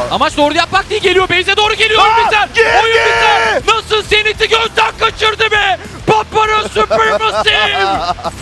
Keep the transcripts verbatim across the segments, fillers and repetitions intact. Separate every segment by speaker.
Speaker 1: Amaç doğru yapmak değil, geliyor. Base'e doğru geliyor. Oyun biter. Oyun biter. Nasıl Zenith'i gözden kaçırdı be? Papara Supermassive.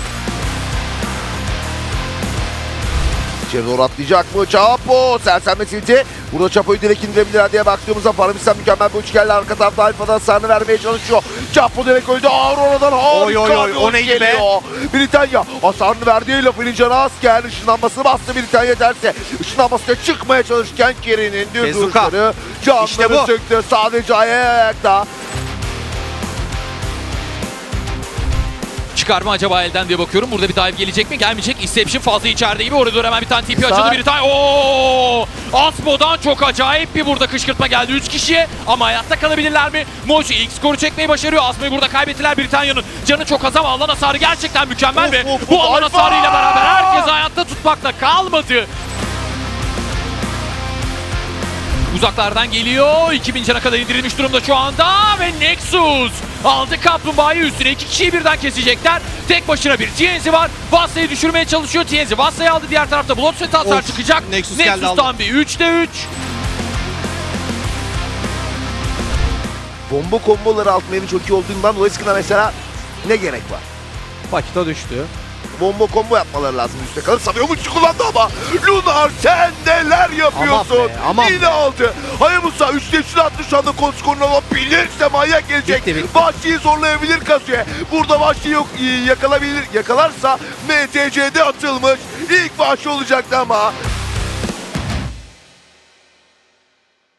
Speaker 2: İçeri doğru atlayacak mı? Chapo sersemletildi. Burada Chapo'yu direkt indirebilirler diye baktığımızda Paramistan mükemmel bir uç geldi. Arka tarafta Alfa'dan hasarını vermeye çalışıyor. Chapo direkt öldü. Aurora'dan harika
Speaker 3: Oy, oy, oy,
Speaker 2: bir
Speaker 3: o
Speaker 2: uç
Speaker 3: neydi be?
Speaker 2: geliyor. Britanya hasarını verdiği lafının canı azken ışınlanmasını bastı Britanya derse. Işınlanmasına çıkmaya çalışırken Keri'nin düz
Speaker 3: Tezuka.
Speaker 2: duruşları canları
Speaker 3: İşte bu.
Speaker 2: söktü. Sadece ayakta.
Speaker 1: Çıkar mı acaba elden diye bakıyorum. Burada bir dive gelecek mi? Gelmeyecek. Inception fazla içeride gibi. Oraya doğru hemen bir tane T P açıldı.
Speaker 2: Sağ-
Speaker 1: Bir tane. Ooo! Asmo'dan çok acayip bir burada kışkırtma geldi. üç kişiye ama hayatta kalabilirler mi? Moji ilk skoru çekmeyi başarıyor. Asmo'yu burada kaybettiler. Britanya'nın canı çok az ama alan hasarı gerçekten mükemmel
Speaker 2: Of,
Speaker 1: ve
Speaker 2: of,
Speaker 1: bu
Speaker 2: of,
Speaker 1: alan
Speaker 2: Alfa!
Speaker 1: hasarıyla beraber herkes hayatta tutmakta kalmadı. Uzaklardan geliyor. iki bin cana kadar indirilmiş durumda şu anda ve Nexus aldı kaplumbağayı üstüne. iki kişiyi birden kesecekler. Tek başına bir T N Z var. Vassa'yı düşürmeye çalışıyor. T N Z Vassa'yı aldı. Diğer tarafta Bloodsweat hasar
Speaker 3: Of,
Speaker 1: çıkacak.
Speaker 3: Nexus geldi,
Speaker 1: Nexus'tan
Speaker 3: aldı.
Speaker 1: bir üçte üç.
Speaker 2: Bomba komboları altmayanın çok iyi olduğundan dolayı sıkına mesela ne gerek var?
Speaker 3: Pakita düştü.
Speaker 2: Bomba combo yapmaları lazım üstte kalır. Sanıyormuş kullandı ama Lunar sen neler yapıyorsun?
Speaker 3: Aman be, aman
Speaker 2: Yine
Speaker 3: be.
Speaker 2: aldı. Hayabusa üçte üçünü attı şu anda konskorunu alabilirse manyak gelecek.
Speaker 3: Bitti, bitti.
Speaker 2: Vahşi'yi zorlayabilir Kazuya. Burada Vahşi yok yakalabilir. Yakalarsa M T C'de atılmış. İlk Vahşi olacaktı ama